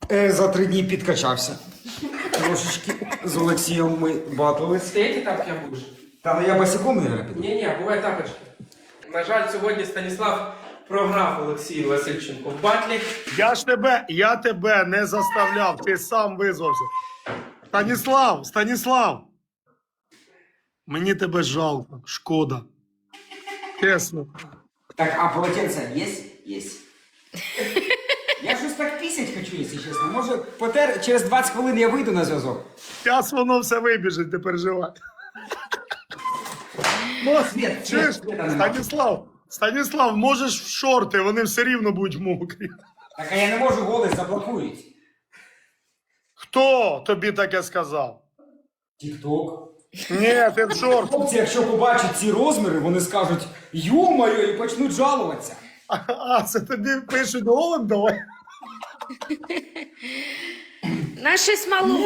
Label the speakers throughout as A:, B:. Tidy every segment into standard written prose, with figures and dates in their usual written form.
A: За 3 дні підкачався. Трошечки з Олексієм ми батились.
B: Ти эти тапки будеш?
A: Та ну я босиком, наверное, піду.
B: Ні, буває тапочки. На жаль, сьогодні Станіслав програв Олексію Васильченку в батлі.
C: Я тебе не заставляв, ти сам визвався. Станіслав, мені тебе жалко, шкода. Чесно.
A: Так, а полотенце есть? Есть. Я щось так пісять хочу, якщо чесно. Може, через 20 хвилин я вийду на зв'язок.
C: Зараз воно все вибіжить, не переживай.
A: Світ,
C: Чуєш,
A: світа
C: Станіслав, можеш в шорти, вони все рівно будуть мокрі.
A: Так, а я не можу, голос заблокують.
C: Хто тобі таке сказав?
A: Тік-ток.
C: Ні, ти в шорт.
A: Хлопці, якщо побачать ці розміри, вони скажуть «Ю-моє» і почнуть жалуватися.
C: А, це тобі пишуть голим, давай.
D: На щось мало.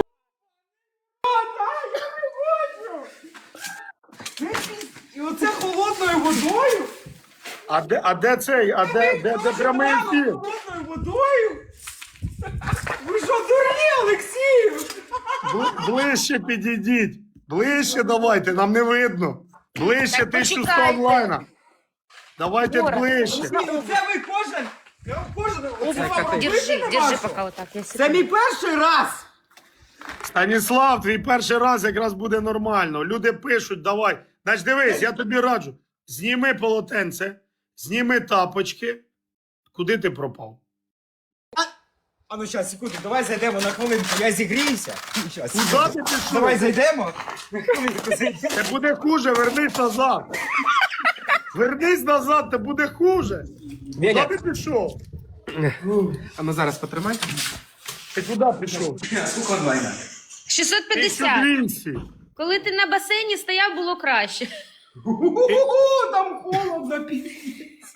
A: І оце холодною водою?
C: А де цей, де прямий ефір?
A: Холодною водою? Ви що, дурні, Олексію?
C: Ближче підійдіть. Ближче давайте, нам не видно. Ближче
D: Так
C: 1100
D: почекайте.
C: онлайна. Давайте ближче.
A: Це ви кожен.
D: Держи пока вот так. Я
A: Це мій перший раз.
C: Станіслав, твій перший раз якраз буде нормально. Люди пишуть, давай. Значить, дивись, я тобі раджу. Зніми полотенце, зніми тапочки. Куди ти пропав?
A: А ну щас, секунду, давай зайдемо на хвилинку, я зігріюся. Щас,
C: Куди
A: секунду.
C: ти пішов?
A: Давай зайдемо. На хвилинку зайдемо.
C: Це буде хуже, вернись назад. Вернись назад, це буде хуже. Куди ти пішов?
B: А ну зараз потримай.
C: Ти куди пішов?
A: Скільки онлайна?
D: 650.
C: 1200.
D: Коли ти на басейні стояв, було краще.
A: Там холодно, піздець.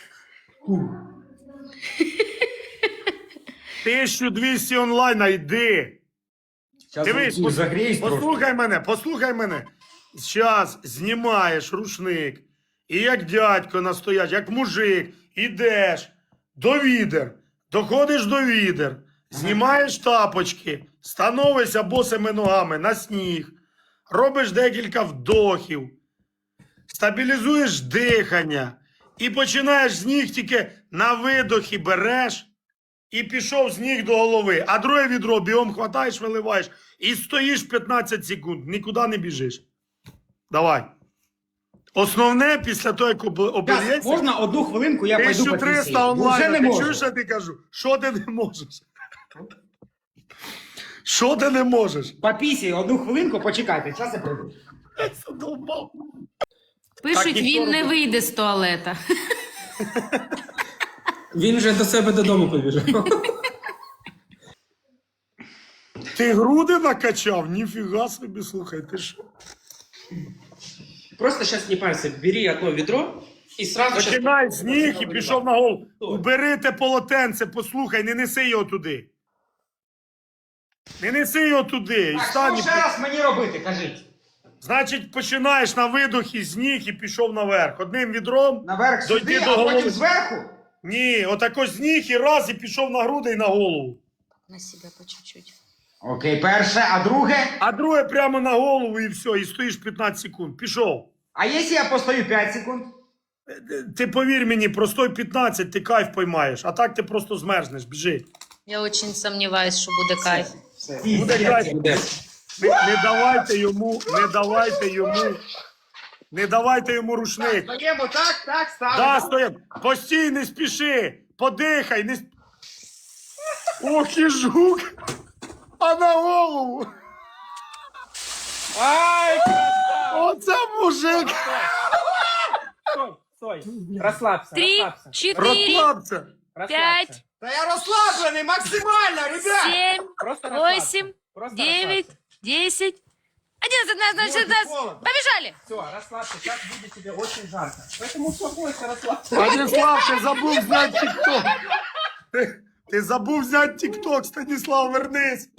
C: 1200 онлайна, йди. Дивись,
A: загрієш трошки.
C: послухай мене. Зараз знімаєш рушник. І як дядько настояч, як мужик, ідеш до відер, доходиш до відер, знімаєш тапочки, становишся босими ногами на сніг, робиш декілька вдохів, стабілізуєш дихання і починаєш з ніг тільки на видохі береш і пішов з ніг до голови, а друге відро бігом хватаєш, виливаєш і стоїш 15 секунд, нікуди не біжиш. Давай. Основне, після того, як обільється,
A: Можна одну хвилинку, я пойду по
C: 1300
A: Вже
C: онлайн.
A: не
C: Ти
A: можу.
C: чуєш, що я ти кажу? Що ти не можеш? Що ти не можеш?
A: По пісі, одну хвилинку, почекайте, час я прийду.
C: Я задовбав.
D: Пишуть,
C: ніхто
D: він не
C: не-
D: вийде з туалета.
B: Він вже до себе додому побіжав.
C: Ти груди накачав? Ніфіга собі, слухай, ти що?
B: Просто зараз не парься, бери одно відро і сразу
C: Починай з ніг і пішов на голову. Убери те полотенце, послухай, не неси його туди. Не неси його туди. І
A: Так,
C: стань.
A: що ще раз мені робити, кажіть?
C: Значить, починаєш на видохі з ніг і пішов наверх. Одним відром.
A: Наверх
C: Дойди
A: сюди,
C: до
A: а
C: голови.
A: потім зверху?
C: Ні, отако з ніг і раз, і пішов на груди і на голову.
D: На себе по чуть-чуть.
A: Окей, перше, а друге?
C: А друге прямо на голову і все, і стоїш 15 секунд. Пішов.
A: А якщо я постою 5 секунд?
C: Ти повір мені, простой 15, ти кайф поймаєш, а так ти просто змерзнеш, біжи.
D: Я очень сомневаюсь, що буде кайф.
C: Буде кайф. Не давайте йому рушник.
A: Стоїмо так, ставимо.
C: Да, стоїм. Постій, не спіши, подихай, не Ох і жук, а на голову.
B: Ай,
C: Оце мужик.
B: стой, розслабся,
D: 3,
B: розслабся.
D: 4,
C: Розслабся.
D: 5,
A: Та я розслаблений максимально, ребят!
D: 7,
B: Просто розслабся.
D: 8,
B: Просто
D: 9, 10, 11, 12, 13.
A: холодно.
D: Побежали!
B: Все, расслабься, сейчас будет тебе очень жарко. Поэтому успокойся, расслабься.
C: Станіслав, ти забув зняти тік-ток. Ти забув зняти тік-ток, Станіслав, вернись.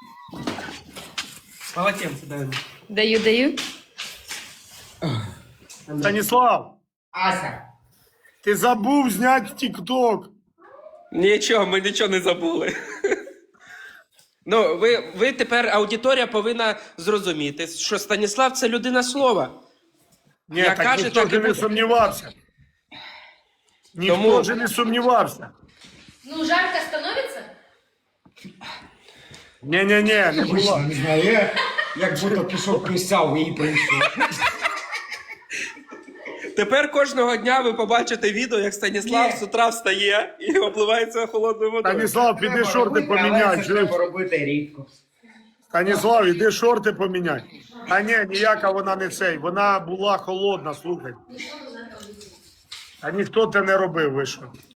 B: Полотенце дай.
D: Даю.
C: Станіслав,
A: Ася,
C: ти забув зняти тік-ток.
B: Нічого, ми нічого не забули. Ну, ви тепер аудиторія повинна зрозуміти, що Станіслав це людина слова.
C: Ні,
B: Як
C: так
B: каже,
C: ніхто
B: так і
C: ж не
B: буде.
C: сумнівався. Ніхто
B: Тому-
C: ж не сумнівався.
D: Ну, жарко становится?
C: Ні, не було.
A: Не знаю, як будто пішов присяв і прийшов.
B: Тепер кожного дня ви побачите відео, як Станіслав
A: Ні.
B: з утра встає і обливається холодною водою.
C: Станіслав, піди шорти поміняй. чуєш?
A: Треба робити рідко.
C: Станіслав, іди шорти поміняй. А ні, ніяка вона не цей. Вона була холодна, слухай. А ніхто те не робив, ви що?